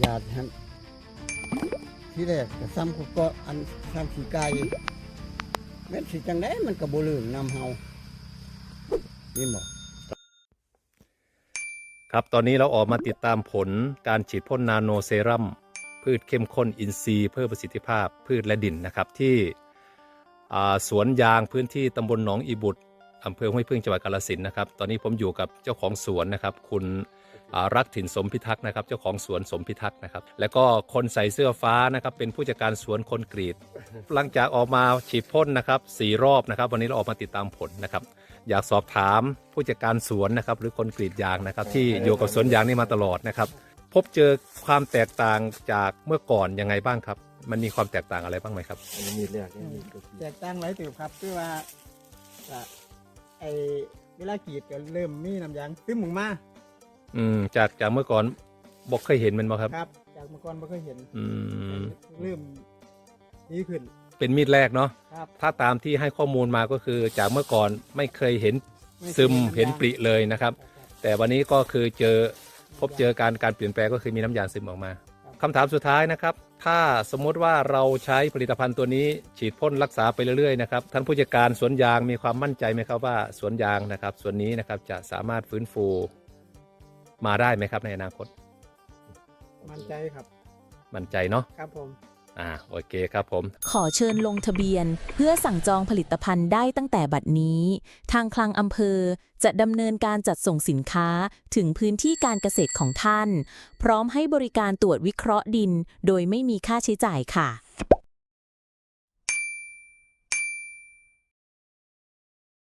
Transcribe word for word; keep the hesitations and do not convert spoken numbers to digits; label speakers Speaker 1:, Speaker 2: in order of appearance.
Speaker 1: ยาท่านที่แรกก็ซ้ำกูก็อันซ้ำขี้ไก่แม่นสิจังได๋มันก็บ่ลื่นนำเฮานี่บ่
Speaker 2: ครับตอนนี้เราออกมาติดตามผลการฉีดพ่นนาโนเซรั่มพืชเข้มข้นอินทรีย์เพิ่มประสิทธิภาพพืชและดินนะครับที่สวนยางพื้นที่ตำบลหนองอีบุตรอำเภอห้วยพึ่งจังหวัดกาฬสินธุ์นะครับตอนนี้ผมอยู่กับเจ้าของสวนนะครับคุณรักถิ่นสมพิทักษ์นะครับเจ้าของสวนสมพิทักษ์นะครับแล้วก็คนใส่เสื้อฟ้านะครับเป็นผู้จัดการสวนคนกรีดหลังจากออกมาฉีดพ่นนะครับสี่รอบนะครับวันนี้เราออกมาติดตามผลนะครับอยากสอบถามผู้จัดการสวนนะครับหรือคนกรีดยางนะครับที่อยู่กับสวนยางนี่มาตลอดนะครับพบเจอความแตกต่างจากเมื่อก่อนยังไงบ้างครับมันมีความแตกต่างอะไรบ้างไหมครับ
Speaker 3: อันนี้มีดแรกนี่มีดตัวที่
Speaker 1: แตกต่างหลายติบครับคือว่าก็ไอเวลากรีดก็เริ่มมีน้ำยางซึมออกมา
Speaker 2: อืมจากจากเมื่อก่อนบอกเคยเห็นมันบ่ครับ
Speaker 1: ครับ จากเมื่อก่อนบ่เคยเห็น
Speaker 2: อืม
Speaker 1: เริ่มดีขึ้น
Speaker 2: เป็นมีดแรกเนาะ
Speaker 1: ครับ
Speaker 2: ถ้าตามที่ให้ข้อมูลมาก็คือจากเมื่อก่อนไม่เคยเห็น
Speaker 1: ไคย
Speaker 2: ซึม
Speaker 1: ำยาง
Speaker 2: เห็นปริเลยนะครับ
Speaker 1: ครับ
Speaker 2: แต่วันนี้ก็คือเจอพบเจอการการเปลี่ยนแปลงก็คือมีน้ำยางซึมออกมาคำถามสุดท้ายนะครับถ้าสมมติว่าเราใช้ผลิตภัณฑ์ตัวนี้ฉีดพ่นรักษาไปเรื่อยๆนะครับท่านผู้จัดการสวนยางมีความมั่นใจไหมครับว่าสวนยางนะครับสวนนี้นะครับจะสามารถฟื้นฟูมาได้ไหมครับในอนาคต
Speaker 1: มั่นใจครับ
Speaker 2: มั่นใจเนาะ
Speaker 1: ครับผม
Speaker 2: อ่าโอเคครับผม
Speaker 4: ขอเชิญลงทะเบียนเพื่อสั่งจองผลิตภัณฑ์ได้ตั้งแต่บัดนี้ ทางคลังอำเภอจะดำเนินการจัดส่งสินค้าถึงพื้นที่การเกษตรของท่าน พร้อมให้บริการตรวจวิเคราะห์ดินโดยไม่มีค่าใช้จ่ายค่ะ